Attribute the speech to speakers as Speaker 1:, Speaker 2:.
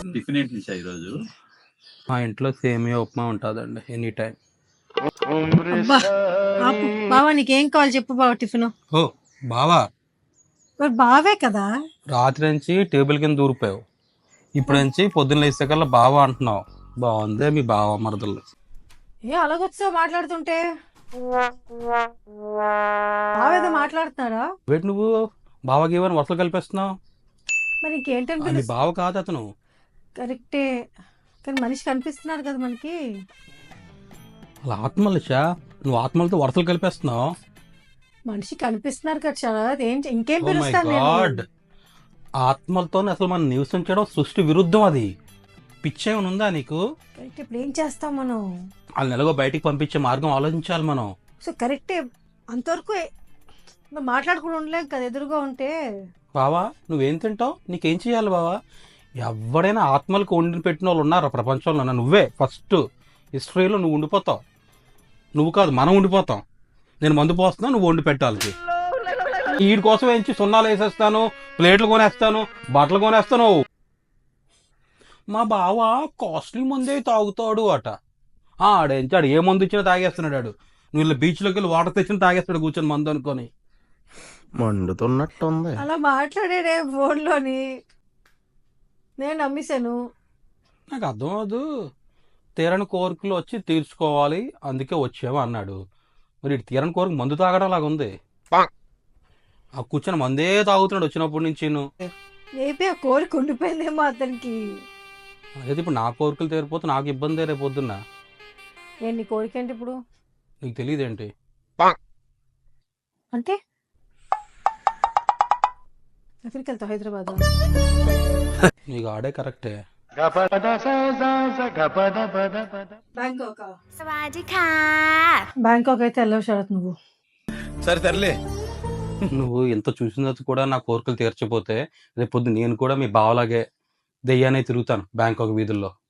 Speaker 1: Tiffin ఏంటి నిషా ఈరోజు?
Speaker 2: మా ఇంట్లో సేమియా ఉప్మా ఉంటుందండి ఎనీ టైం.
Speaker 3: అబ్బా ఆపు బావా, నీకేం కావాలి చెప్పు బావ. టిఫిన్
Speaker 2: ఓ బావా,
Speaker 3: మరి బావే కదా.
Speaker 2: రాత్రి నుంచి టేబుల్ కింద దూరిపోయావు, ఇప్పుడు నుంచి పొద్దున్న లేస్తే కల్లా బావా అంటున్నావు. బాగుందే మీ బావ మరదలు.
Speaker 3: ఏ అలాగొచ్చావు మాట్లాడుతుంటే? బావేదో మాట్లాడుతున్నారా?
Speaker 2: వేటి నువ్వు బావకి ఏమైనా వరుసలు కల్పిస్తున్నావు?
Speaker 3: మరి ఇంకేంటని
Speaker 2: మీ
Speaker 3: పిలుస్తా?
Speaker 2: బావ కాదు అతను.
Speaker 3: కరెక్టే, కానీ మనిషి కనిపిస్తున్నారు కదా మనకి.
Speaker 2: అలా ఆత్మలుషా, నువ్వు ఆత్మలతో వరుసలు కలిపేస్తున్నావు.
Speaker 3: మనిషి కనిపిస్తున్నారు కదా శరత్, ఇంకేం
Speaker 2: ఓ మై
Speaker 3: పిలుస్తాను
Speaker 2: గాడ్,
Speaker 3: నేను?
Speaker 2: ఆత్మలతో అసలు మనం నివసించడం సృష్టి విరుద్ధం. అది పిచ్చేమని ఉందా నీకు?
Speaker 3: కరెక్ట్, ఇప్పుడు ఏం చేస్తాం మనం?
Speaker 2: వాళ్ళని ఎలాగో బయటికి పంపించే మార్గం ఆలోచించాలి మనం.
Speaker 3: సో కరెక్టే, అంతవరకు మనం మాట్లాడుకుని ఉండలేం కదా ఎదురుగా ఉంటే.
Speaker 2: బావా నువ్వేం తింటావు, నీకేం చేయాలి బావా? ఎవడైనా ఆత్మలకు వండి పెట్టిన వాళ్ళు ఉన్నారా ప్రపంచంలో? నువ్వే ఫస్ట్ హిస్టరీలో నువ్వు ఉండిపోతావు. నువ్వు కాదు, మనం ఉండిపోతాం. నేను మందు పోస్తున్నా, నువ్వు వండి పెట్టాలి. వీడి కోసం ఏంచి సున్నాలు వేసేస్తాను, ప్లేట్లు కొనేస్తాను, బట్టలు కొనేస్తాను. మా బావ కాస్ట్లీ మందే తాగుతాడు అట. ఆడేంచాడు, ఏ మందు ఇచ్చినా తాగేస్తున్నాడు. ఆడు నువ్వు ఇలా బీచ్లోకి వెళ్ళి వాటర్ తెచ్చిన తాగేస్తాడు కూర్చొని మందు అనుకొని.
Speaker 4: మండుతున్నట్టుంది.
Speaker 3: అలా మాట్లాడే ఫోన్లోని నేను నమ్మేశాను.
Speaker 2: నాకు అర్థం అవదు. తీరని కోరికలు వచ్చి తీర్చుకోవాలి, అందుకే వచ్చాము అన్నాడు. మరి ఇటు తీరని కోరిక మందు తాగడం లాగా ఉంది. ఆ కూర్చొని మందే తాగుతున్నాడు వచ్చినప్పటి నుంచి.
Speaker 3: మేబీ ఆ కోరిక ఉండిపోయిందేమో అతనికి.
Speaker 2: అదే ఇప్పుడు నా కోరికలు తీరిపోతే నాకు ఇబ్బంది రేపు పొద్దున్న.
Speaker 3: ఏంటి నీ కోరిక ఏంటి ఇప్పుడు?
Speaker 2: నీకు తెలియదేంటి?
Speaker 3: అంటే ఎక్కడికి వెళ్తావు? హైదరాబాద్?
Speaker 2: నీకు ఆడే కరెక్టే.
Speaker 3: బ్యాంకాక్ అయితే వెళ్ళవు శరత్ నువ్వు.
Speaker 4: సరే తరలే.
Speaker 2: నువ్వు ఎంత చూసిన తర్వాత కూడా నా కోరికలు తీర్చపోతే రేపు పొద్దున్న నేను కూడా మీ బావలాగే దెయ్యానే తిరుగుతాను బ్యాంకాక్ వీధుల్లో.